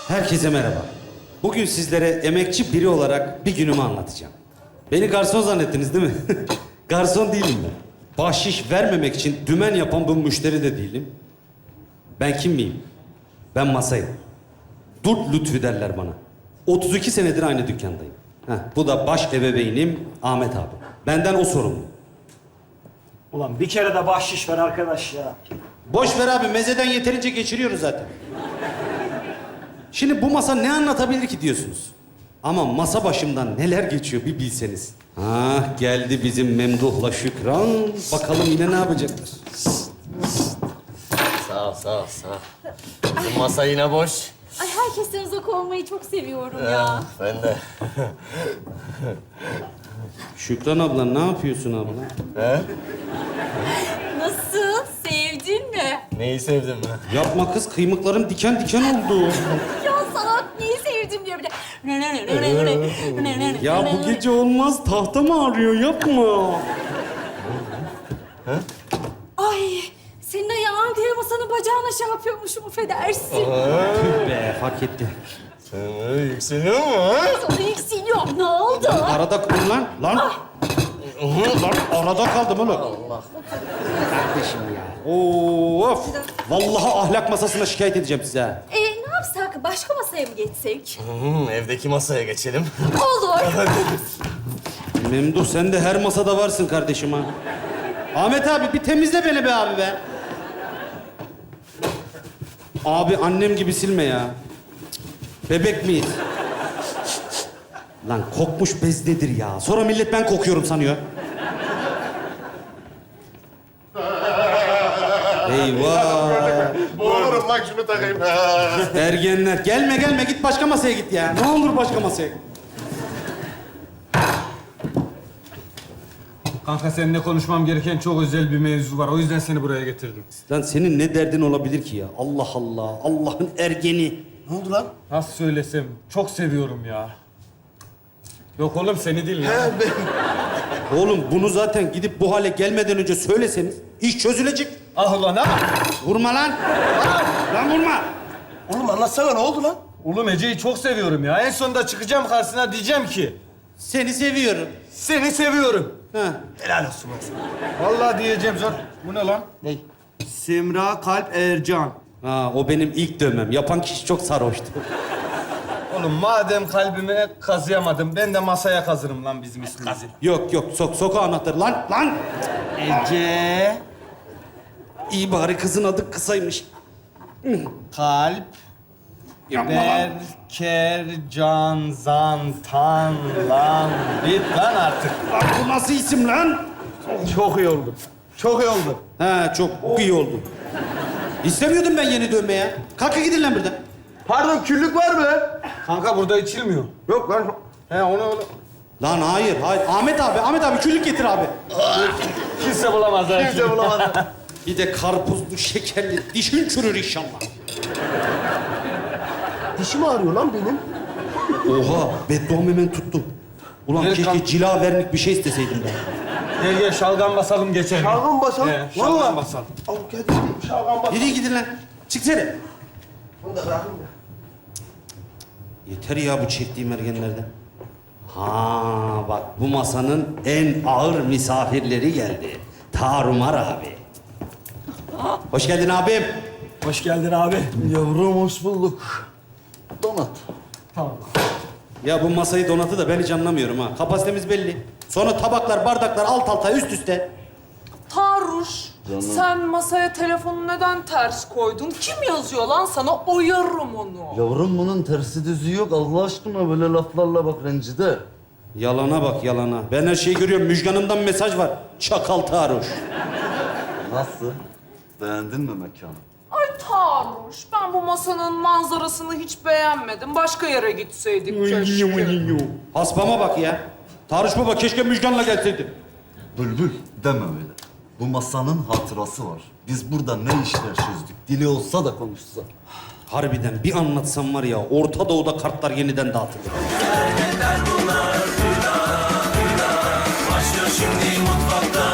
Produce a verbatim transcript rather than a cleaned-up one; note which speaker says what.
Speaker 1: Herkese merhaba. Bugün sizlere emekçi biri olarak bir günümü anlatacağım. Beni garson zannettiniz değil mi? Garson değilim ben. Bahşiş vermemek için dümen yapan bu müşteri de değilim. Ben kim miyim? Ben masayım. Durt Lütfü derler bana. otuz iki senedir aynı dükkandayım. Heh, bu da baş ebeveynim Ahmet abi. Benden o sorumlu.
Speaker 2: Ulan bir kere de bahşiş ver arkadaş ya.
Speaker 1: Boş ver abi, mezeden yeterince geçiriyoruz zaten. Şimdi bu masa ne anlatabilir ki diyorsunuz. Ama masa başımdan neler geçiyor bir bilseniz. Ah, geldi bizim Memduh'la Şükran. Bakalım yine ne yapacaklar.
Speaker 3: Sağ ol, sağ ol, sağ ol. Bu masa yine boş.
Speaker 4: Ay herkesten uzak olmayı çok seviyorum ya.
Speaker 3: Ah, ben de.
Speaker 1: Şükran abla ne yapıyorsun abla?
Speaker 3: He?
Speaker 4: Nasıl? Sevdin mi?
Speaker 3: Neyi sevdin mi?
Speaker 1: Yapma kız, kıymıklarım diken diken oldu.
Speaker 4: Ya salak neyi sevdim diyor bir de.
Speaker 1: Ya bu gece olmaz, tahta mı ağrıyor? Yapma.
Speaker 4: Ay senin ayağın diye masanın bacağına şey yapıyormuşum, affedersin.
Speaker 1: Tüh be, fark etti.
Speaker 3: Sen yükseliyor mu ha?
Speaker 4: Sana yükseliyorum. Ne oldu?
Speaker 1: Arada kaldım lan. Lan. Lan arada kaldım oğlum.
Speaker 3: Allah.
Speaker 1: Kardeşim ya. Of. Vallahi ahlak masasına şikayet edeceğim size. ha.
Speaker 4: Ee, ne yapsak? Başka masaya mı geçsek?
Speaker 3: Hmm, evdeki masaya geçelim.
Speaker 4: Olur.
Speaker 1: Memduh, sen de her masada varsın kardeşim ha. Ahmet abi bir temizle beni be abi be. Abi annem gibi silme ya. Cık, bebek miyiz? Lan kokmuş bez nedir ya? Sonra millet ben kokuyorum sanıyor. Eyvah!
Speaker 5: Boğulurum bak şunu takayım.
Speaker 1: Ergenler. Gelme gelme, git başka masaya git ya. Ne olur başka masaya git.
Speaker 6: Kanka seninle konuşmam gereken çok özel bir mevzu var. O yüzden seni buraya getirdim.
Speaker 1: Lan senin ne derdin olabilir ki ya? Allah Allah. Allah'ın ergeni.
Speaker 5: Ne oldu lan?
Speaker 6: Nasıl söylesem çok seviyorum ya. Yok oğlum seni değil ya.
Speaker 1: Oğlum bunu zaten gidip bu hale gelmeden önce söyleseniz iş çözülecek.
Speaker 6: Ah ulan ha!
Speaker 1: Vurma lan. Lan vurma.
Speaker 5: Oğlum anlatsana ne oldu lan?
Speaker 6: Oğlum Ece'yi çok seviyorum ya. En sonunda çıkacağım karşısına diyeceğim ki...
Speaker 1: Seni seviyorum.
Speaker 6: Seni seviyorum.
Speaker 1: Ha.
Speaker 5: Helal olsun lan sana.
Speaker 6: Vallahi diyeceğim zor. Bu ne lan?
Speaker 1: Ne?
Speaker 6: Semra Kalp Ercan.
Speaker 1: Ha, o benim ilk dövmem. Yapan kişi çok sarhoştu.
Speaker 6: Oğlum madem kalbime kazıyamadım, ben de masaya kazırım lan bizim ismimizi.
Speaker 1: Yok yok, sok soka anahtarı. Lan lan.
Speaker 6: Ece
Speaker 1: İyi bari kızın adı kısaymış.
Speaker 6: Kalp
Speaker 1: Yapma lan.
Speaker 6: Berkercan Zantan lan. Bit lan artık.
Speaker 1: Lan bu nasıl isim lan?
Speaker 6: Çok iyi oldu. Çok iyi oldu.
Speaker 1: Ha, çok iyi oldu. İstemiyordum ben yeni dövme ya. Kalkın gidin lan buradan.
Speaker 6: Pardon küllük var mı? Kanka burada içilmiyor.
Speaker 5: Yok lan.
Speaker 6: He onu onu.
Speaker 1: Lan hayır, hayır. Ahmet abi, Ahmet abi küllük getir abi.
Speaker 6: Kimse bulamaz ha.
Speaker 5: Kimse bulamadı.
Speaker 1: Bir de karpuzlu, şekerli. Dişin çürür inşallah.
Speaker 5: Dişim ağrıyor lan benim.
Speaker 1: Oha, bedduam hemen tuttu. Ulan
Speaker 6: Evet,
Speaker 1: keşke
Speaker 6: kanka.
Speaker 1: cila vernik bir şey isteseydim ben.
Speaker 6: Gel gel şalgam basalım geçelim.
Speaker 5: Şalgam basalım.
Speaker 6: He, şalgam
Speaker 5: Vallahi.
Speaker 6: basalım.
Speaker 5: Al gel gel şalgam bas.
Speaker 1: Yürü gidin lan. Çıksana.
Speaker 5: Bunu da bırakın da.
Speaker 1: Yeter ya bu çektiğim ergenlerden. Ha bak, bu masanın en ağır misafirleri geldi. Tarumar abi. Hoş geldin abim.
Speaker 2: Hoş geldin abi.
Speaker 5: Yavrum hoş bulduk. Donat.
Speaker 1: Ya bu masayı donatı da ben hiç anlamıyorum ha. Kapasitemiz belli. Sonra tabaklar, bardaklar alt alta üst üste.
Speaker 7: Taruş, sen masaya telefonu neden ters koydun? Kim yazıyor lan sana? Oyarım onu.
Speaker 8: Yavrum bunun tersi düzü yok. Allah aşkına böyle laflarla bak rencide.
Speaker 1: Yalana bak yalana. Ben her şeyi görüyorum. Müjganımdan mesaj var. Çakal Taruş.
Speaker 8: Nasıl? Beğendin mi mekanı?
Speaker 7: Ay Taruş, ben bu masanın manzarasını hiç beğenmedim. Başka yere gitseydik keşke.
Speaker 1: Haspama bak ya. Taruş baba keşke Müjgan'la gelseydin.
Speaker 8: Bülbül deme öyle. Bu masanın hatırası var. Biz burada ne işler çözdük. Dili olsa da konuşsa.
Speaker 1: Harbiden bir anlatsam var ya, Orta Doğu'da kartlar yeniden dağıtılır.
Speaker 9: Başlıyor şimdi mutfakta